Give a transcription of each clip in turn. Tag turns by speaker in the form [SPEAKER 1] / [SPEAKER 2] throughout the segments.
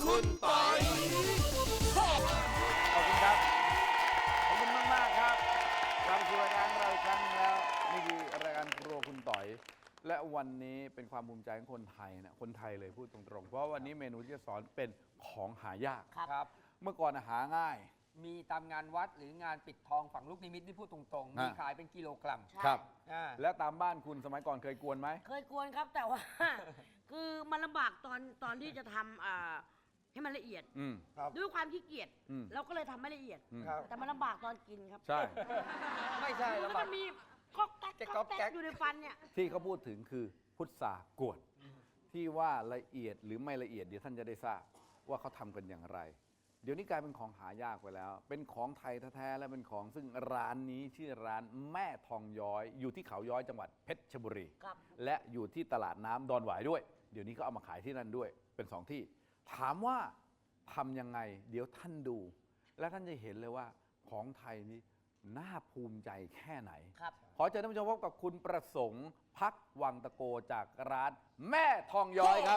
[SPEAKER 1] คุณปอย
[SPEAKER 2] ขอบคุณครับ ขอบคุณมากๆครับกลับมาสู่รายการเราอีกครั้งหนึ่งแล้วนี่คือรายการครัวคุณต่อย และวันนี้เป็นความภูมิใจของคนไทยนะคนไทยเลยพูดตรงๆ เพราะวันนี้เมนูที่จะสอนเป็นของหายาก
[SPEAKER 3] ครับ
[SPEAKER 2] เมื่อก่อนหาง่าย
[SPEAKER 3] มีตามงานวัดหรืองานปิดทองฝังลูกนิมิตที่พูดตรงๆ มีขายเป็นกิโลกรัม
[SPEAKER 2] ครับ
[SPEAKER 3] อ่า
[SPEAKER 2] และตามบ้านคุณสมัยก่อนเคยกวนไหม
[SPEAKER 4] เคยกวนครับแต่ว่า คือมันลำบากตอนที่จะทำให้มันละเอียด
[SPEAKER 2] อืม
[SPEAKER 3] ครับ
[SPEAKER 4] ด้วยความขี้เกียจ
[SPEAKER 2] อืม
[SPEAKER 4] เราก็เลยทำไม่ละเอียด
[SPEAKER 3] ครับ
[SPEAKER 4] แต่มันลำบากตอนกินครับ
[SPEAKER 2] ใช่
[SPEAKER 3] ไม่ใช่
[SPEAKER 4] แล้
[SPEAKER 3] แล้ว ว
[SPEAKER 4] มันมีก๊อกแก๊ก
[SPEAKER 3] จะก๊
[SPEAKER 4] ก๊
[SPEAKER 3] อ
[SPEAKER 4] อก ก
[SPEAKER 3] แก๊
[SPEAKER 4] แก๊
[SPEAKER 3] ก
[SPEAKER 4] กอยู่ในฟันเนี่ย
[SPEAKER 2] ที่เขาพูดถึงคือพุทธากวด ที่ว่าละเอียดหรือไม่ละเอียดเดี๋ยวท่านจะได้ทราบว่าเขาทำกันอย่างไร เดี๋ยวนี้กลายเป็นของหายากไปแล้ว เป็นของไทยแท้ๆและเป็นของซึ่งร้านนี้ชื่อร้านแม่ทองย้อย อยู่ที่เขาย้อยจังหวัดเพชรบุรี
[SPEAKER 4] ครับ
[SPEAKER 2] และอยู่ที่ตลาดน้ำดอนหวายด้วย เดี๋ยวนี้เขาเอามาขายที่นั่นด้วยเป็นสองที่ ถามว่าทำยังไง เดี๋ยวท่านดู และท่านจะเห็นเลยว่าของไทยนี้น่าภูมิใจแค่ไหน
[SPEAKER 4] ครับ
[SPEAKER 2] ขอเชิญท่านผู้ชมพบกับคุณประสงค์พักวังตะโกจากร้านแม่ทองย้อยครับ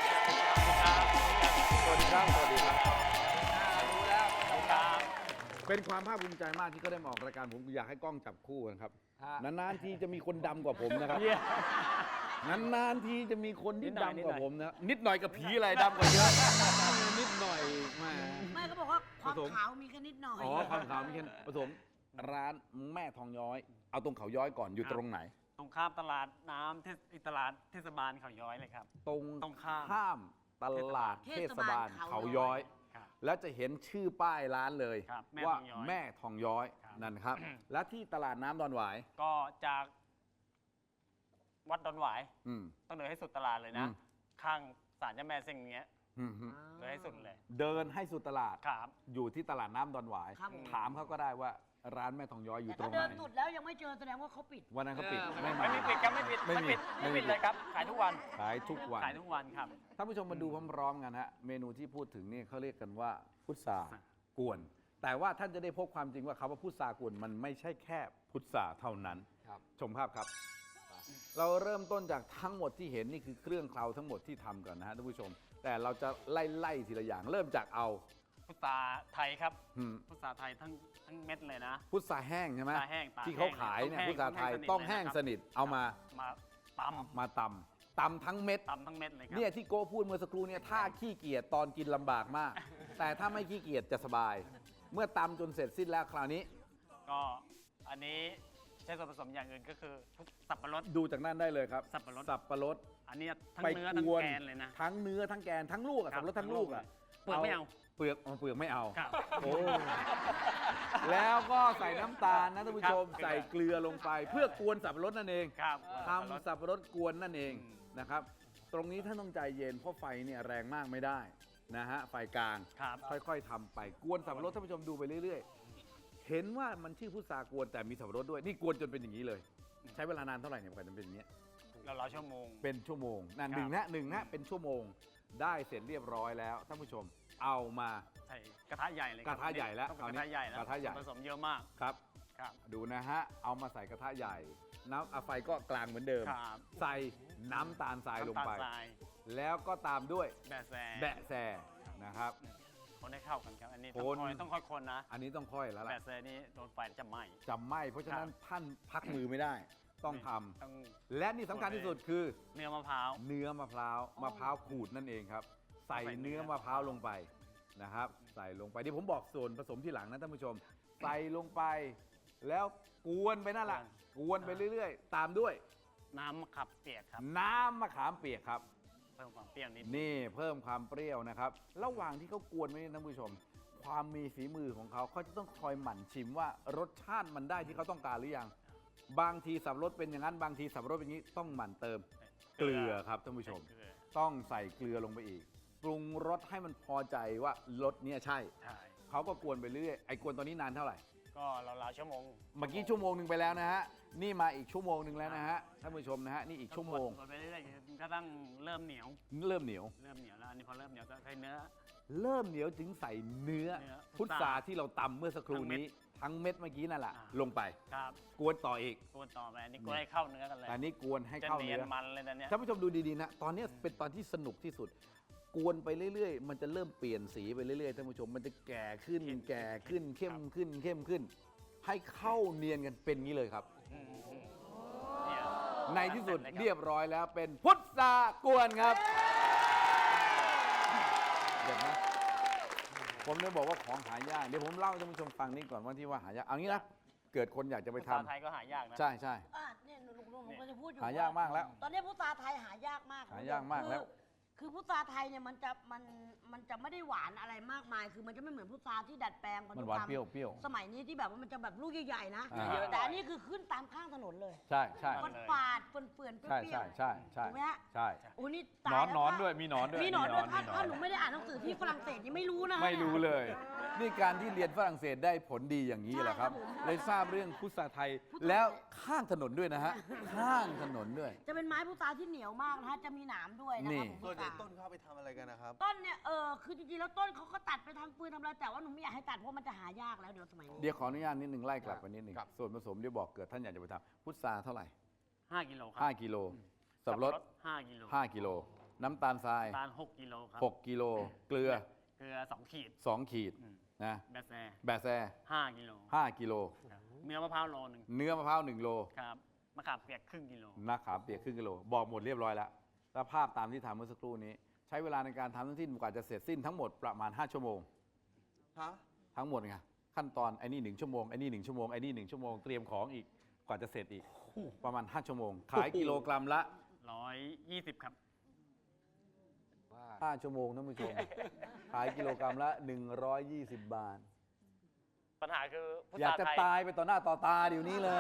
[SPEAKER 2] สวัสดีครับ สวัสดีครับ
[SPEAKER 3] รู้แล้วครับ
[SPEAKER 2] เป็นความภาคภูมิใจมากที่เขาได้มาออกรายการผมอยากให้กล้องจับคู่กันครับ
[SPEAKER 3] ฮะ
[SPEAKER 2] นานๆทีจะมีคนดำกว่าผมนะครับ นานๆทีจะมีคนที่ดำกว่าผมนะนิดหน่อยกับผีอะไรดำกว่าเยอะ นิดหน่อยมา
[SPEAKER 4] ไม่ก็บอกว่าความ
[SPEAKER 2] ผสม
[SPEAKER 4] ขาวมีแค่นิดหน่อย
[SPEAKER 2] อ๋อความขาวมีแค่ผสมร้านแม่ทองย้อย เอาตรงเขาย้อยก่อนอยู่ตรงไหน
[SPEAKER 5] ตรงข้ามตลาดน้ำตลาดเทศบาลเขาย้อยเลยครับ
[SPEAKER 2] ตรง
[SPEAKER 5] ตรงข้าม
[SPEAKER 2] ข้ามตลาดเทศบาลเขาย้อย
[SPEAKER 5] ครับ
[SPEAKER 2] แล้วจะเห็นชื่อป้ายร้านเลย
[SPEAKER 5] ครับแม่
[SPEAKER 2] ว่า
[SPEAKER 5] ทองย้อย
[SPEAKER 2] แม่ทองย้อย
[SPEAKER 5] ครับ
[SPEAKER 2] นั่นครับ และที่ตลาดน้ำดอนหวาย
[SPEAKER 5] ก็จากวัดดอนหวาย
[SPEAKER 2] อืม
[SPEAKER 5] ต้องเดินให้สุดตลาดเลยนะ
[SPEAKER 2] อืม
[SPEAKER 5] ข้างศาลเจ้าแม่เซ็งเนี้ย
[SPEAKER 2] อืม
[SPEAKER 5] เดินให้สุดเลย
[SPEAKER 2] เดินให้สุดตลาด
[SPEAKER 5] ครับ
[SPEAKER 2] อยู่ที่ตลาดน้ำดอนหวาย
[SPEAKER 4] ครับผม
[SPEAKER 2] ถามเขาก็ได้ว่าร้านแม่ทองย้อยอยู่
[SPEAKER 4] แต่
[SPEAKER 2] ตร
[SPEAKER 4] ถ้าง
[SPEAKER 2] ไห
[SPEAKER 4] เดิ
[SPEAKER 2] น
[SPEAKER 4] นสุดแล้วยังไม่เจอแสดงว่าเขาปิด
[SPEAKER 2] วันนั้นเขาปิด
[SPEAKER 3] เออ
[SPEAKER 2] ไม่มา
[SPEAKER 5] ไม่มีปิดครับไม่ปิด
[SPEAKER 2] ไม่มี
[SPEAKER 5] ไม่ปิดเลยครับ ขายทุกวัน
[SPEAKER 2] ขายทุกวัน
[SPEAKER 5] ขายทุกวันครับ
[SPEAKER 2] ท่านผู้ชมมาดูพร้อมๆกันฮะเมนูที่พูดถึงนี่เขาเรียกกันว่าพุทรากวน แต่ว่าท่านจะได้พบความจริงว่าคำว่าพุทรากวนมันไม่ใช่แค่พุทราเท่านั้น
[SPEAKER 3] ครับ
[SPEAKER 2] ชมภาพครับ เราเริ่มต้นจากทั้งหมดที่เห็นนี่คือเครื่องเคล้าทั้งหมดที่ทำก่อนนะฮะท่านผู้ชม แต่เราจะไล่ทีละอย่าง เริ่มจากเอา
[SPEAKER 5] พุทราไทยครับ
[SPEAKER 2] อืม
[SPEAKER 5] พุทราไทยทั้งเม็ดเลยนะ
[SPEAKER 2] พุทราแห้งใช่ไหม
[SPEAKER 5] พุทราแห้งตาก
[SPEAKER 2] ที่เขาขายเนี่ย
[SPEAKER 5] แห้ง
[SPEAKER 2] พุทราไทย
[SPEAKER 5] ต้
[SPEAKER 2] ต้อ
[SPEAKER 5] อง งแห้
[SPEAKER 2] แห้ง
[SPEAKER 5] ง
[SPEAKER 2] สนิทเอามา
[SPEAKER 5] มาต
[SPEAKER 2] มาตำทั้งเม็ด
[SPEAKER 5] ำทั้งเม็ดเลยครับ
[SPEAKER 2] เนี่ยที่โก้พูดเมื่อสักครู่เนี่ยถ้าขี้เกียจตอนกินลำบากมาก แต่ถ้าไม่ขี้เกียจจะสบาย เมื่อตำจนเสร็จสิ้นแล้วคราวนี้
[SPEAKER 5] ก็อันนี้ใช้ส่วนผสมอย่างอื่นก็คือสับปะรด
[SPEAKER 2] ดูจากนั่นได้เลยครับ
[SPEAKER 5] สับปะรด
[SPEAKER 2] สับปะรด
[SPEAKER 5] อันนี้ทั้ง
[SPEAKER 2] ไป
[SPEAKER 5] เนื้อทั้ง
[SPEAKER 2] กวน
[SPEAKER 5] แกนเลยนะ
[SPEAKER 2] ทั้งเนื้อทั้งแกนทั้งลูกอะ
[SPEAKER 5] ครั
[SPEAKER 2] สั
[SPEAKER 5] บบ
[SPEAKER 2] ปะรดทั้งลูกอะ
[SPEAKER 5] เปลือกไม่เอา
[SPEAKER 2] เปลือกไม่เอา
[SPEAKER 5] ครับ
[SPEAKER 2] โอ้แล้วก็ใส่น้ำตาลนะท่านผู้ชม
[SPEAKER 5] ครับ
[SPEAKER 2] ใส่เกลือลงไป เพื่อกวนสับปะรดนั่นเอง
[SPEAKER 5] ครับ
[SPEAKER 2] ทำสับปะรดกวนนั่นเอง
[SPEAKER 5] อืม
[SPEAKER 2] นะครับ ตรงนี้ท่านต้องใจเย็นเพราะไฟเนี่ยแรงมากไม่ได้นะฮะไฟกลาง
[SPEAKER 5] ครับ
[SPEAKER 2] ค่อยๆทำไปกวนสับปะรดท่านผู้ชมดูไปเรื่อยๆ เห็นว่ามันชื่อพุทรากวนแต่มีสับปะรดด้วยนี่กวนจนเป็นอย่างนี้เลย ใช้เวลานานเท่าไหร่เนี่ยกว่าจะเป็นอย่างนี้ย
[SPEAKER 5] เราชั่วโมง
[SPEAKER 2] เป็นชั่วโมงนั่น
[SPEAKER 5] ครับ
[SPEAKER 2] หนึ่งนะเป็นชั่วโมงได้เสร็จเรียบร้อยแล้วท่านผู้ชมเอามา
[SPEAKER 5] ใส่กระทะใหญ่เลยคบ
[SPEAKER 2] กระทะใหญ่แล้ว
[SPEAKER 5] ต้องเป็นกระทะใหญ่แล้ว
[SPEAKER 2] กระทะใหญ่
[SPEAKER 5] ส่วนผสมเยอะมาก
[SPEAKER 2] ครับ
[SPEAKER 5] ครับ
[SPEAKER 2] ดูนะฮะเอามาใส่กระทะใหญ่น้ำไฟก็กลางเหมือนเดิม
[SPEAKER 5] ครับ
[SPEAKER 2] ใส่น้ำตาลทรายลงไป
[SPEAKER 5] น้ำตาลทราย
[SPEAKER 2] แล้วก็ตามด้วย
[SPEAKER 5] แบะแซ
[SPEAKER 2] แบะแซนะครับ
[SPEAKER 5] คนให้เข้ากันครับ อันนี้
[SPEAKER 2] คน
[SPEAKER 5] ต้องค่อยคนนะ
[SPEAKER 2] อันนี้ต้องค่อยแล้วล่ะ
[SPEAKER 5] แบะแซนี่โดนไฟจะไหม้
[SPEAKER 2] จำไม่เพราะฉะนั้น
[SPEAKER 5] ครับ
[SPEAKER 2] ท่านพักมือไม่ได้ต้องทำ
[SPEAKER 5] ต้อง
[SPEAKER 2] และนี่สำคัญที่สุดคือ
[SPEAKER 5] เนื้อมะพร้าว
[SPEAKER 2] เนื้อมะพร้าวมะพร้าวขูดนั่นเองครับ ใส่
[SPEAKER 5] ใส่เนื้
[SPEAKER 2] เนื้อ
[SPEAKER 5] อ
[SPEAKER 2] มะพร้าวลงไปนะครับ ใส่ลงไปที่ผมบอกส่วนผสมที่หลังนะท่านผู้ชม ใส่ลงไป แล้วกวนไปนั่นแหละกวนไปเรื่อยๆ ตามด้วย
[SPEAKER 5] น้ำมะขับเปียกครับ
[SPEAKER 2] น้ำมะขามเปียกครับ
[SPEAKER 5] เพิ่มความเปรี้ยวนิด
[SPEAKER 2] นี่เพิ่มความเปรี้ยวนะครับ ระหว่างที่เขากวนไว้นี่ท่านผู้ชม ความมีฝีมือของเขาเขาจะต้องคอยหมั่นชิมว่ารสชาติมันได้ที่เขาต้องการหรือยัง บางทีสับปะรดเป็นอย่างนั้น บางทีสับปะรดเป็นอย่างนี้ต้องหมั่นเติมเกลือครับท่านผู้ชม
[SPEAKER 5] เกลือ
[SPEAKER 2] ต้องใส่เกลือลงไปอีก ปรุงรสให้มันพอใจว่ารสเนี่ยใช่
[SPEAKER 5] ใช่
[SPEAKER 2] เขาก็กวนไปเรื่อยไอ้กวนตัวนี้นานเท่าไหร่
[SPEAKER 5] ก็เราๆชั่วโมง
[SPEAKER 2] เมื่อกี้ชั่วโมงหนึ่งไปแล้วนะฮะ นี่มาอีกชั่วโมงหนึ่งแล้วนะฮะ ท่านผู้ชมนะฮะ นี่อีกชั่วโมง
[SPEAKER 5] กดไปเรื่อยๆก็ต้องเริ่มเหนียว
[SPEAKER 2] เริ่มเหนียว
[SPEAKER 5] เริ่มเหนียวแล้วอันนี้พอเริ่มเหนียวก็ใส่เนื้อ
[SPEAKER 2] เริ่มเหนียวจึงใส่เนื้อ
[SPEAKER 5] เนื้อ
[SPEAKER 2] พุทราที่เราตำเมื่อสักครู่นี้ ทั้งเม็ดเมื่อกี้นั่นแหละ
[SPEAKER 5] อ่า
[SPEAKER 2] ลงไป
[SPEAKER 5] ครับ
[SPEAKER 2] กวนต่ออีก
[SPEAKER 5] กวนต่อไปอันนี้กวนให้เข้าเนื้อกันเลย
[SPEAKER 2] อันนี้กวนให้
[SPEAKER 5] จะ
[SPEAKER 2] เข้า
[SPEAKER 5] เนีย
[SPEAKER 2] เนื้
[SPEAKER 5] น
[SPEAKER 2] อ
[SPEAKER 5] มันเลยนะเนี่ย
[SPEAKER 2] ท่านผู้ชมดูดีๆนะ ตอนนี้เป็นตอนที่สนุกที่สุดกวนไปเรื่อยๆ มันจะเริ่มเปลี่ยนสีไปเรื่อยๆท่านผู้ชมมันจะแก่ขึ้นแก่ขึ้นเข้มขึ้นเข้มขึ้น ให้เข้าเนียนกันเป็นงี้เลยครับ
[SPEAKER 5] เนี่ย
[SPEAKER 2] ในที่สุดเรียบร้อยแล้วเป็นพุทรากวนครับเด็ดไหมผมเลยบอกว่าของหายากเดี๋ยวผมเล่าให้ท่านผู้ชมฟังนี่ก่อนว่าที่ว่าหายากเอางี้นะเกิดคนอยากจะไป
[SPEAKER 5] ภา
[SPEAKER 2] ทำ
[SPEAKER 5] ษาไทยก็หายากนะ
[SPEAKER 2] ใช่ใช่
[SPEAKER 4] เนี่ยหนูก็จะพูดอยู่
[SPEAKER 2] หายากมากแล้ว
[SPEAKER 4] ตอนนี้พุทราไทยหายากมาก
[SPEAKER 2] หายากมากแล้ว
[SPEAKER 4] คือพุทราไทยเนี่ยมันจะไม่ได้หวานอะไรมากมาย คือมันจะไม่เหมือนพุทราที่ดัดแปลง
[SPEAKER 2] มันหวานเปรี้ยวเปรี้ยว
[SPEAKER 4] สมัยนี้ที่แบบว่ามันจะแบบลูกใหญ่ๆนะ
[SPEAKER 2] อ่า
[SPEAKER 4] แต่อันนี้คือขึ้นตามข้างถนนเลย
[SPEAKER 2] ใช่ใช่
[SPEAKER 4] มันฝาดเปื่อนๆเป
[SPEAKER 2] ใช่
[SPEAKER 4] รี้ยว
[SPEAKER 2] ใช่ใช่ใช่
[SPEAKER 4] ถูกไหมฮะ
[SPEAKER 2] ใช่
[SPEAKER 4] โอ้นี่
[SPEAKER 2] หน
[SPEAKER 4] ตา
[SPEAKER 2] อย น
[SPEAKER 4] แล้ว
[SPEAKER 2] หนอน
[SPEAKER 4] ค่ะ
[SPEAKER 2] ด้วยมีหนอนด้วย
[SPEAKER 4] มีหนอนด้วย
[SPEAKER 2] มี
[SPEAKER 4] ถ้าหนูไม่ได้อ่านหนังสือที่ฝรั่งเศสนี่ไม่รู้นะ
[SPEAKER 2] ไม่รู้เลย นี่การที่เรียนฝรั่งเศสได้ผลดีอย่างนี้แหละครับ
[SPEAKER 4] ใช่ครับผม
[SPEAKER 2] เลยทราบเรื่องพุทราไทยแล้วข้างถนนด้วยนะฮะข้างถนนด้วย
[SPEAKER 4] จะเป็นไม้พุทราที่เหนียวมากนะฮะจะมีหนามด้วยนะ
[SPEAKER 2] นี่
[SPEAKER 4] ครับผม
[SPEAKER 1] ส่วนใหญ่
[SPEAKER 4] พุทรา
[SPEAKER 1] ต้นเขาเอาไปทำอะไรกันนะครับ
[SPEAKER 4] ต้นเนี่ยคือจริงๆแล้วต้นเขาก็ตัดไปทำปืนทำอะไรแต่ว่าหนูไม่อยากให้ตัดเพราะมันจะหายากแล้วเดี๋ยวสมัยนี้
[SPEAKER 2] เดี๋ยวขออนุญาตนิดหนึ่งไล่กลับไปนิดหนึ่ง
[SPEAKER 1] ครับ
[SPEAKER 2] ส่วนผสมเดี๋ยวบอกเกิดท่านอยากจะไปทำพุทราเท่าไหร่
[SPEAKER 5] 5 กิโลครับ
[SPEAKER 2] 5 กิโลสับปะรด
[SPEAKER 5] 5 กิโล
[SPEAKER 2] 5 กิโล น้ำตาลทราย
[SPEAKER 5] ตาล 6 กิโลครับ
[SPEAKER 2] 6 กิโล เกลือ
[SPEAKER 5] เกลือ 2 ขีด
[SPEAKER 2] 2 ขีด
[SPEAKER 5] อืม
[SPEAKER 2] นะ
[SPEAKER 5] แบแซ
[SPEAKER 2] แบะแซ
[SPEAKER 5] 5 กิโล
[SPEAKER 2] 5 กิโล
[SPEAKER 5] ครับเนื้อมะพร้าวโลนึง
[SPEAKER 2] เนื้อมะพร้าว1 โล
[SPEAKER 5] ครับมะขามเปียกครึ่งกิโล
[SPEAKER 2] มะขามเปียกครึ่งกิโล บอกหมดเรียบร้อยแล้วแล้วภาพตามที่ทำเมื่อสักครู่นี้ ใช้เวลาในการทำทั้งสิ้นกว่าจะเสร็จสิ้นทั้งหมดประมาณ 5 ชั่วโมง
[SPEAKER 1] ฮะ
[SPEAKER 2] ทั้งหมดไงขั้นตอนไอ้นี่1 ชั่วโมงไอ้นี่1 ชั่วโมงไอ้นี่1 ชั่วโมงเตรียมของอีกกว่าจะเสร็จอีกประมาณ 5 ชั่วโมง ขายกิโลกรัมละ
[SPEAKER 5] 120 ครับ
[SPEAKER 2] 5 ชั่วโมงท่านผู้ชม ขายกิโลกรัมละ 120 บาท
[SPEAKER 5] ปัญหาคือพุท
[SPEAKER 2] อยาก
[SPEAKER 5] รา
[SPEAKER 2] จะ
[SPEAKER 5] ไทย
[SPEAKER 2] ตายไปต่อหน้าต่อตาเดี๋ยวนี้เลย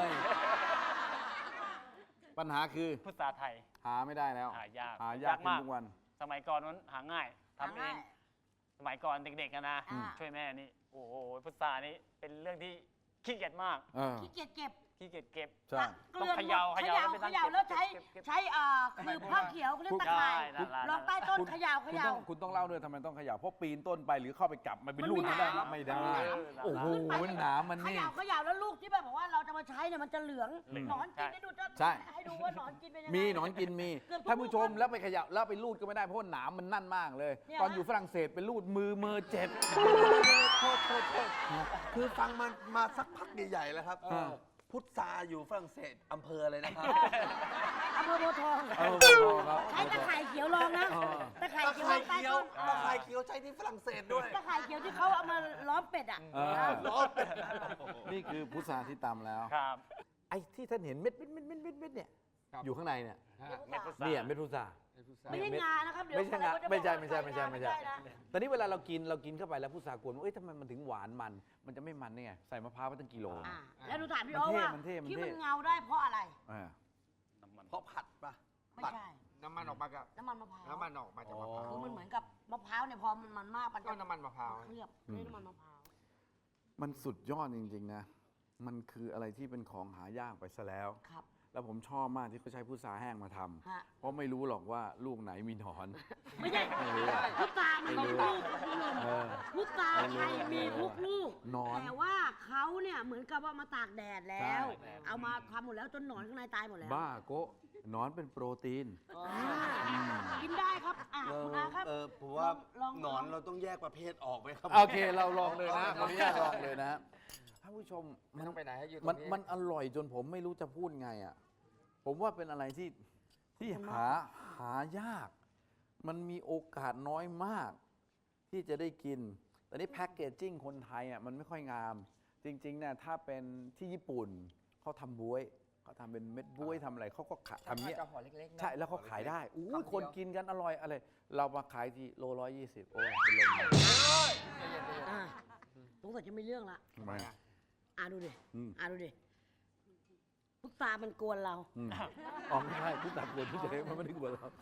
[SPEAKER 2] ปัญหาคือ
[SPEAKER 5] พุทราไทย
[SPEAKER 2] หาไม่ได้แล้ว
[SPEAKER 5] หายาก
[SPEAKER 2] หายากขึ้น
[SPEAKER 5] มาก
[SPEAKER 2] ทุกวัน
[SPEAKER 5] สมัยก่อนนั้นหาง่ายทำ
[SPEAKER 4] หา
[SPEAKER 5] เอ
[SPEAKER 4] ง่าย
[SPEAKER 5] ง สมัยก่อนเด็กๆอะนะ
[SPEAKER 4] อ่า
[SPEAKER 5] ช่วยแม่นี่ โอ้โหพุทรานี่เป็นเรื่องที่ขี้เกียจมาก
[SPEAKER 2] เออ
[SPEAKER 4] ขี้เกียจเก็บ
[SPEAKER 5] ขี้เกียจเก็บ
[SPEAKER 2] ใช่
[SPEAKER 4] เกลือน
[SPEAKER 5] ต้องเขย่า
[SPEAKER 4] เข
[SPEAKER 5] เข
[SPEAKER 4] ย่า
[SPEAKER 5] ย่า
[SPEAKER 4] เขย่าแล้วใช้
[SPEAKER 5] เก็บ
[SPEAKER 4] คือผ้าเขียวเขาเรียกตะข่าย
[SPEAKER 5] ได้ได้
[SPEAKER 4] ลองใต้ต้นเขย่าเข
[SPEAKER 2] คุณ
[SPEAKER 4] ย่า
[SPEAKER 2] ต้องเล่าด้วยทำไมต้องเขย่าเพราะปีนต้นไปหรือเข้าไปจับมันเป็น
[SPEAKER 4] มัน
[SPEAKER 2] ลูก
[SPEAKER 4] มี
[SPEAKER 2] ไม่ได้
[SPEAKER 4] หนาม
[SPEAKER 2] ไม่ได้
[SPEAKER 5] เออ
[SPEAKER 2] โอ้โหหนามมัน
[SPEAKER 4] เข
[SPEAKER 2] นี่
[SPEAKER 4] ย่าเขย่าแล้วลูกที่แบบว่าเราจะมาใช้เนี่ยมันจะเหลือง
[SPEAKER 5] เหลือง
[SPEAKER 4] หนอนกิน
[SPEAKER 5] ใช่
[SPEAKER 4] ได้ดูจะ
[SPEAKER 2] ใช่
[SPEAKER 4] ให้ดูว่าหนอนกินเป็นยังไง
[SPEAKER 2] มีหนอนกินมี
[SPEAKER 4] เกือบทุก
[SPEAKER 2] ท่านผู้ชม
[SPEAKER 4] ลูก
[SPEAKER 2] แล้วไปเขย่าแล้วไปลูดก็ไม่ได้เพราะว่าหนามมันนั่นมากเลย
[SPEAKER 4] เนี่ย
[SPEAKER 2] ตอนอยู่ฝรั่งเศสเป็นลูดมือเจ็บ
[SPEAKER 1] โทษคือฟังมันมาสักพักใหญ่ๆแล้วครับ พุทธาอยู่ฝรั่งเศสอำเภออะไรนะครับ
[SPEAKER 4] อำเภอโพธิ์ทอง
[SPEAKER 2] เออครับ
[SPEAKER 4] ใช้ตะข่ายเขียวรองนะ
[SPEAKER 2] เออ
[SPEAKER 4] ตะข่าย
[SPEAKER 1] ตะ
[SPEAKER 4] เขียว
[SPEAKER 1] ไคร้
[SPEAKER 4] รองใต้
[SPEAKER 1] เขียว
[SPEAKER 4] ต้น
[SPEAKER 1] ตะไคร้เขียวใช้ที่ฝรั่งเศสด้วย
[SPEAKER 4] ตะข่ายเขียวที่เขาเอามาล้อมเป็ดอ่ะ
[SPEAKER 2] เออ
[SPEAKER 1] ล้อเป็ด
[SPEAKER 2] นี่คือพุทราที่ตำแล้ว
[SPEAKER 5] ครับ
[SPEAKER 2] ไอ้ที่ท่านเห็นเม็ดเนี่ย
[SPEAKER 3] ครับ
[SPEAKER 2] อยู่ข้างในเนี่ย
[SPEAKER 5] เม็ดพุทรา
[SPEAKER 2] เนี่ยเม็ดพุทรา
[SPEAKER 4] ไม่ใช่งานะครับ เดี๋ยว
[SPEAKER 2] ไม่ใช่งา
[SPEAKER 4] คน
[SPEAKER 2] ไม่ใช่
[SPEAKER 4] เขาจะบอกว่า
[SPEAKER 2] ไม่ใช่
[SPEAKER 4] งานะ
[SPEAKER 2] ตอนนี้เวลาเรากินเข้าไปแล้วพุทรากวนเอ้ยทำไมมันถึงหวานมันจะไม่มันได้ไงใส่มะพร้าวไปตั้งกิโล
[SPEAKER 4] อ่าแล้วหนูถามพี่โอ๊คว่า
[SPEAKER 2] มันเท่
[SPEAKER 4] ที่มันเงาได้เพราะอะไร
[SPEAKER 2] อ่า
[SPEAKER 5] น้ำมัน
[SPEAKER 1] เพราะผัดป่ะ
[SPEAKER 4] ไม่
[SPEAKER 1] ผัด
[SPEAKER 4] ใช่
[SPEAKER 3] น้ำมันออกมากับ
[SPEAKER 4] น้ำมันมะพร้าว
[SPEAKER 3] น้ำมันออกมาจากมะพร้าว
[SPEAKER 4] คือมันเหมือนกับมะพร้าวเนี่ยพอมันมากมัน
[SPEAKER 3] ก็
[SPEAKER 4] จะ
[SPEAKER 3] น้ำมันมะพร้าว
[SPEAKER 4] เคลือบด้วยน้ำมันมะพร้าว
[SPEAKER 2] มันสุดยอดจริงๆนะ มันคืออะไรที่เป็นของหายากไปซะแล้ว
[SPEAKER 4] ครับ
[SPEAKER 2] แล้วผมชอบมากที่เขาใช้พุทราแห้งมาทำ
[SPEAKER 4] ฮะ
[SPEAKER 2] เพราะไม่รู้หรอกว่าลูกไหนมีหนอน
[SPEAKER 4] ไม่ใช่
[SPEAKER 2] ไม่รู้
[SPEAKER 4] พุทรามันมีลูกคุณผู้ชม
[SPEAKER 2] เออ
[SPEAKER 4] พุทราไทยมีทุกลูก
[SPEAKER 2] หนอน
[SPEAKER 4] แต่ว่าเขาเนี่ยเหมือนกับว่ามาตากแดดแล้ว
[SPEAKER 2] ใช่
[SPEAKER 4] เอามาทำหมดแล้วจนหนอนข้างในตายหมดแล้ว
[SPEAKER 2] บ้าโกะหนอนเป็นโปรตีน
[SPEAKER 4] อ่ากินได้ครับคุณอาครับ
[SPEAKER 1] ผมว่า
[SPEAKER 4] ลอง
[SPEAKER 1] หนอนเราต้องแยกประเภทออกไหมครับ
[SPEAKER 2] โอเคเราลองเลยนะขออนุญาตลองเลยนะท่านผู้ชม
[SPEAKER 3] ไม่ต้องไปไหนให้อยู่ตร
[SPEAKER 2] มัน
[SPEAKER 3] งนี้
[SPEAKER 2] มันอร่อยจนผมไม่รู้จะพูดไงอ่ะ ผมว่าเป็นอะไรที่หายาก มันมีโอกาสน้อยมาก ที่จะได้กิน แต่นี่แพ็กเกจจิ้งคนไทยอ่ะมันไม่ค่อยงาม จริงๆเนี่ยถ้าเป็นที่ญี่ปุ่นเขาทำบ๊วยเขาทำเป็นเม็ดบ๊วยทำอะไรเขาก็ขายทำเนี้ย
[SPEAKER 3] จะห่อเล็กๆนะ
[SPEAKER 2] ใช่แล้วเขาขายได้อู้
[SPEAKER 3] คำเดียว
[SPEAKER 2] คนกินกันอร่อยอะไร เรามาขายที่โล120โอ้ยเป็นลมเลย
[SPEAKER 4] อ่าสงสัยจะไม่เรื่องละ
[SPEAKER 2] ทำไมอ่ะ
[SPEAKER 4] ดูดิ
[SPEAKER 2] อืม
[SPEAKER 4] ดูดิพุทรามันกวนเรา
[SPEAKER 2] อืมอ๋อไม่ใช่ผู้ตัดเงินผู้เจ๊มันไม่ได้กลัวเรา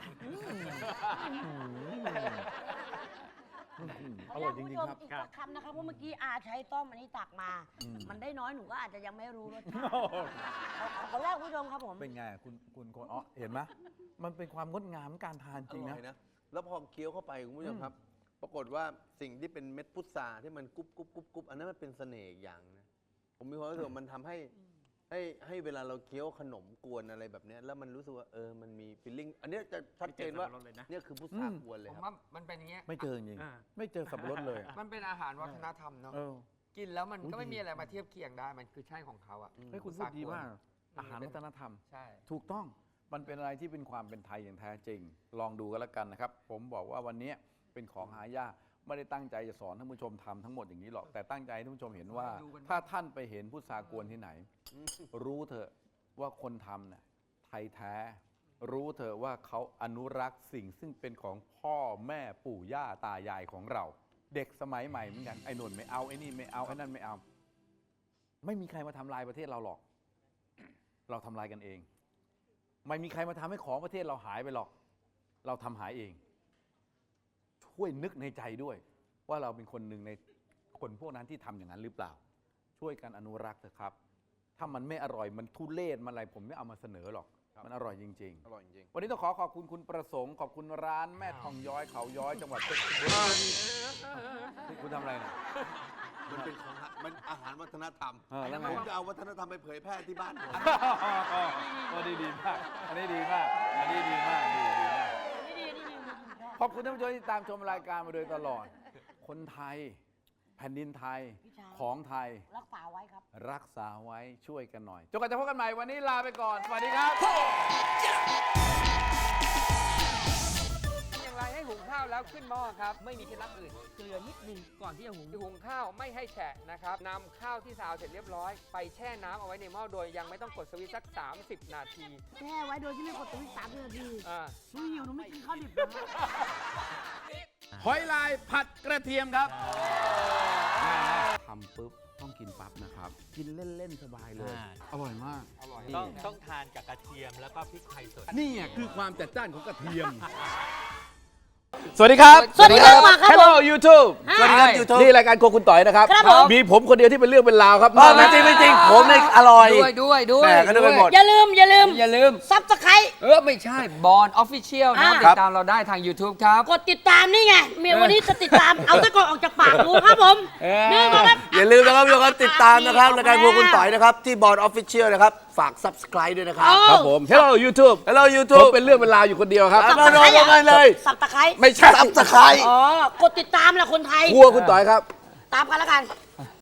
[SPEAKER 2] อร่อยจริงๆครับ
[SPEAKER 4] อีกสักคำนะครับเพราะเมื่อกี้อาใช้ต้อมอันนี้ตักมา
[SPEAKER 2] อืม
[SPEAKER 4] มันได้น้อยหนูก็อาจจะยังไม่รู้รสชาติขอแรกคุณผู้ชมครับผม
[SPEAKER 2] เป็นไงคุณคนอ๋อเห็นไหมมันเป็นความงดงามของการทานจ
[SPEAKER 1] อ
[SPEAKER 2] ริง
[SPEAKER 1] ร่
[SPEAKER 2] นะ
[SPEAKER 1] อยนะ แล้วพอเคี้ยวเข้าไปคุณผู้ชมครับ ปรากฏว่าสิ่งที่เป็นเม็ดพุทราที่มันกรุบอันนั้นมันเป็นเสน่ห์อีกอย่างนะ ผมมีความรู้สึกว่ามันทำให้ให้เวลาเราเคี้ยวขนมกวนอะไรแบบเนี้ยแล้วมันรู้สึกว่ามันมีฟีลลิ่งอันเนี้ยจะชัดเจนว่าเนี่ยคือพุทรากวนเลย
[SPEAKER 3] ผม
[SPEAKER 1] ครับ
[SPEAKER 3] ว่ามันเป็นอย่างเงี้ย
[SPEAKER 2] ไม่เจอจริงๆไม่เจอสับปะรดเลยอะ
[SPEAKER 3] มันเป็นอาหารวัฒนธรรมเนาะ
[SPEAKER 2] เออ
[SPEAKER 3] กินแล้วมันก็ไม่มีอะไรมาเทียบเคียงได้ มันคือใช่ของเขาอ่ะ
[SPEAKER 2] เฮ้ยคุณพูดดีมาก อาหารวัฒนธรรม
[SPEAKER 3] ใช่
[SPEAKER 2] ถูกต้อง มันเป็นอะไรที่เป็นความเป็นไทยอย่างแท้จริง ลองดูกันแล้วกันนะครับ ผมบอกว่าวันนี้เป็นของหายาก ไม่ได้ตั้งใจจะสอนท่านผู้ชมทำทั้งหมดอย่างนี้หรอก แต่ตั้งใจให้ท่านผู้ชมเห็นว่า ถ้าท่านไปเห็นพุทรากวนที่ไหน รู้เถอะว่าคนทำเนี่ยไทยแท้ รู้เถอะว่าเขาอนุรักษ์สิ่งซึ่งเป็นของพ่อแม่ปู่ย่าตายายของเรา เด็กสมัยใหม่เหมือนกัน ไอ้นนไม่เอา ไอ้นี่ไม่เอา ไอ้นั่นไม่เอา ไม่มีใครมาทำลายประเทศเราหรอก เราทำลายกันเอง ไม่มีใครมาทำให้ของประเทศเราหายไปหรอก เราทำหายเอง ช่วยนึกในใจด้วย ว่าเราเป็นคนหนึ่งในคนพวกนั้นที่ทำอย่างนั้นหรือเปล่า ช่วยกันอนุรักษ์เถอะครับ ถ้ามันไม่อร่อยมันทุเรศมันอะไรผมไม่เอามาเสนอหรอก มันอร่อยจริง
[SPEAKER 1] อร่อยจริง
[SPEAKER 2] ๆ วันนี้ต้องขอบคุณคุณประสงค์ขอบคุณร้านแม่ทองย้อยเขาย้อยจังหวัดเพชรบุรีคุณทำอะไรเนี่ย
[SPEAKER 1] มันเป็นของมันอาหารวัฒนธรรม
[SPEAKER 2] แล้วไง
[SPEAKER 1] ผมจะเอาวัฒนธรรมไปเผยแพร่ที่บ้านผม
[SPEAKER 2] อันนี้ดีมาก อันนี้ดีมาก อันนี้ดีมากดีมาก ขอบคุณท่านผู้ชมที่ตามชมรายการมาโดยตลอด คนไทย แผ่นดินไทย ของไทย
[SPEAKER 4] รักษาไว้ครับ
[SPEAKER 2] รักษาไว้ช่วยกันหน่อยจนกว่าจะพบกันใหม่วันนี้ลาไปก่อน สวัสดีครับ
[SPEAKER 3] อย่างไรให้หุงข้าวแล้วขึ้นหม้อครับ ไม่มีเคล็ดลับอื่น
[SPEAKER 4] เกลือนิดนึงก่อนที่จะหุง
[SPEAKER 3] หุงข้าวไม่ให้แฉะนะครับนำข้าวที่ซาวเสร็จเรียบร้อย ไปแช่น้ำเอาไว้ในหม้อโดยยังไม่ต้องกดสวิตช์สัก 30 นาที
[SPEAKER 4] แช่ไว้โดยที่ไม่กดสวิตช์3 นาที
[SPEAKER 3] อ่า
[SPEAKER 4] หนูหิวหนูไม่กินข้าวดิบนะ
[SPEAKER 2] หอยลายผัดกระเทียมครับทำปุ๊บต้องกินปั๊บนะครับ กินเล่นๆสบายเลย อร่อยมาก
[SPEAKER 3] อร่อย
[SPEAKER 6] ต้องทานกับกระเทียมแล้วก็พริกไทยสด
[SPEAKER 2] นี่คือความจัดจ้านของกระเทียม สวัสดีครับ
[SPEAKER 4] สวัสดีครับครับ
[SPEAKER 2] Hello YouTube
[SPEAKER 1] สวัสดีครับ YouTube
[SPEAKER 2] นี่รายการโครัวคุณต่อยนะครับ
[SPEAKER 4] ครับผม
[SPEAKER 2] มีผมคนเดียวที่เป็นเรื่องเป็นราวครับ
[SPEAKER 1] ไม่จริงไม่จริงผมเนี่ยอร่อย
[SPEAKER 3] ด้วย
[SPEAKER 1] แหม่ก็นึกไปหมด
[SPEAKER 4] อย่าลืมซับสไครต์
[SPEAKER 3] ไม่ใช่บอลออฟฟิเชียลนะ
[SPEAKER 4] อ่า
[SPEAKER 3] ติดตามเราได้ทาง YouTube ครับ
[SPEAKER 4] กดติดตามนี่ไงเมียวันนี้จะติดตาม เอาตะกอนออกจากปากดูครับผมนี่มาครับ
[SPEAKER 1] อย่าลืมนะครับทุกคนติดตามนะครับรายการพวกคุณต่อยนะครับ ที่บอร์ดออฟฟิเชียลนะครับ ฝาก subscribe ด้วยนะครับ
[SPEAKER 2] ครับผม Hello YouTube
[SPEAKER 1] Hello
[SPEAKER 2] ผม
[SPEAKER 1] YouTube
[SPEAKER 2] เป็นเรื่องเป็นราวอยู่คนเดียวครับ
[SPEAKER 1] มาลงกันเลย
[SPEAKER 4] สับตะไคร้
[SPEAKER 2] ไม่ใช่
[SPEAKER 1] subscribe
[SPEAKER 4] อ๋อกดติดตามแหละคนไทย
[SPEAKER 2] ครัวคุณต่อยครับ
[SPEAKER 4] ตามกันแล้วกัน